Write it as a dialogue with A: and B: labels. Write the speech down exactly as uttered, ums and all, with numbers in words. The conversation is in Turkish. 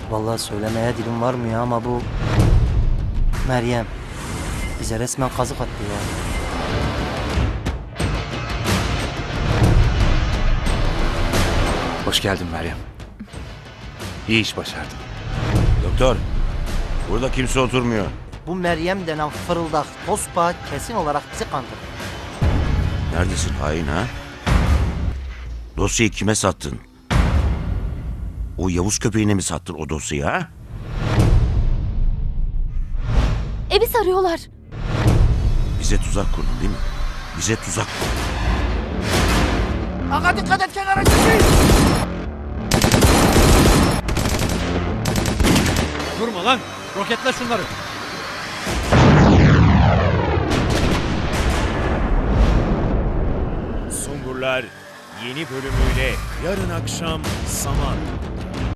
A: Vallahi söylemeye dilim varmıyor ama bu Meryem bize resmen kazık attı ya.
B: Hoş geldin Meryem. İyi iş başardın.
C: Doktor, burada kimse oturmuyor.
A: Bu Meryem denen fırıldak tospa kesin olarak bizi kandırdı.
C: Neredesin hain ha? Dosyayı kime sattın? O Yavuz köpeğine mi sattın o dosyayı ha?
D: Evi sarıyorlar.
C: Bize tuzak kurdun değil mi? Bize tuzak kurdun.
A: Aga dikkat et kenara çekil.
E: Durma lan! Roketle şunları!
F: Sungurlar yeni bölümüyle yarın akşam Saman.